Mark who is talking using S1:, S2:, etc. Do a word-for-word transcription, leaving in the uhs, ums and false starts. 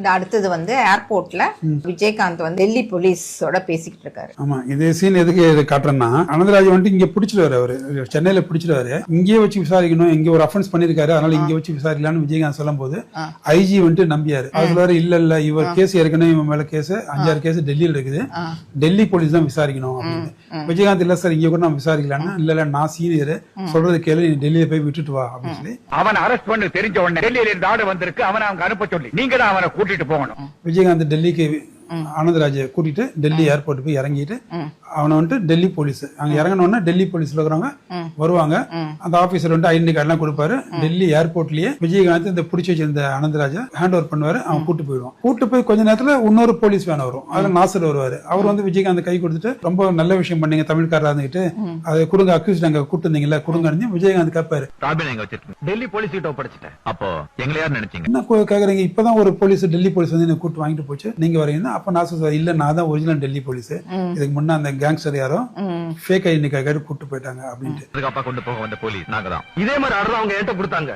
S1: அடுத்தது வந்து ஏர்போர்ட்ல விஜயகாந்த் வந்து டெல்லி போலீஸோட பேசிக்கிட்டு இருக்காரு.
S2: ஆமா, இதே சீன் எதுக்கு காட்டுறேன்னா, அனந்தராஜ் வந்துட்டு இங்க பிடிச்சிருவாரு, அவரு சென்னையில பிடிச்சிருவாரு, இங்கே வச்சு விசாரிக்கணும், இங்க ஒரு அஃபென்ஸ் பண்ணிருக்காரு, அதனால இங்க வச்சு விசாரிக்கலாம்னு விஜயகாந்த் சொல்லும் போது ஐஜி வந்துட்டு நம்பியாரு. அதுல இல்ல இல்ல இவர் கேஸ் ஏற்கனவே இவன் மேல கேஸ் அஞ்சாறு கேஸ் டெல்லியில இருக்குது, டெல்லி போலீஸ் தான் விசாரிக்கணும் அப்படின்னு. விஜயகாந்த் இல்ல சார் இங்க கூட நான் விசாரிக்கலாம்னா, இல்ல இல்ல நான் சீனியர், சொல்றது கேளு, நீ டெல்லியில போய் விட்டுட்டு வா அப்படின்னு சொல்லி
S3: அவன் அரெஸ்ட் பண்ண தெரிஞ்ச உடனே டெல்லியில இருந்து ஆர்டர் வந்திருக்கு, அவனை அவங்க அனுப்ப சொல்லி நீங்க தான் அவனை கூட்டிட்டு போகணும்.
S2: விஜயகாந்த் டெல்லிக்கு ஆனந்தராஜ கூட்டிட்டு டெல்லி ஏர்போர்ட் போய் இறங்கிட்டு அவனை வந்துட்டு டெல்லி போலீஸ் அங்க இறங்கினோன்னா டெல்லி போலீஸ்ல இருக்கிறவங்க வருவாங்க, அந்த ஆபீசர் வந்து ஐடென்டி கார்டு எல்லாம் கொடுப்பாரு. டெல்லி ஏர்போர்ட்லயே விஜயகாந்த் இந்த பிடிச்சி வச்சிருந்த அனந்தராஜ ஹேண்ட் ஓவர் பண்ணுவாரு, அவன் கூட்டு போயிடுவான். கூட்டு போய் கொஞ்ச நேரத்துல இன்னொரு போலீஸ் வேன் வரும், அதுல நாசர் வருவாரு. அவர் வந்து விஜயகாந்த் கை கொடுத்துட்டு ரொம்ப நல்ல விஷயம் பண்ணீங்க தமிழ்காரா இருந்துட்டு, அதை கொடுங்க அக்யூஸ்ட் அங்க கூட்டு இருந்தீங்கல்ல கொடுங்க, விஜயகாந்த் கேட்பாரு.
S3: டெல்லி போலீஸ் கிட்ட ஒப்படைச்சிட்டேன், அப்போ எங்களை யார் நினைச்சீங்க
S2: என்ன கேக்குறீங்க, இப்பதான் ஒரு போலீஸ் டெல்லி போலீஸ் வந்து கூட்டு வாங்கிட்டு போச்சு, நீங்க வரீங்கன்னா அப்ப நாசர் இல்ல நான் தான் ஒரிஜினல் டெல்லி போலீஸ், இதுக்கு முன்ன அந்த கேங்ஸ்டர் யாரோ ஃபேக் ஐடென்டி கார்டு கூட்டு போயிட்டாங்க அப்படின்ட்டு
S3: கொண்டு போக வந்த போலீஸ் நாங்க தான். இதே மாதிரி ஆர்டர் அவங்க என்கிட்ட கொடுத்தாங்க.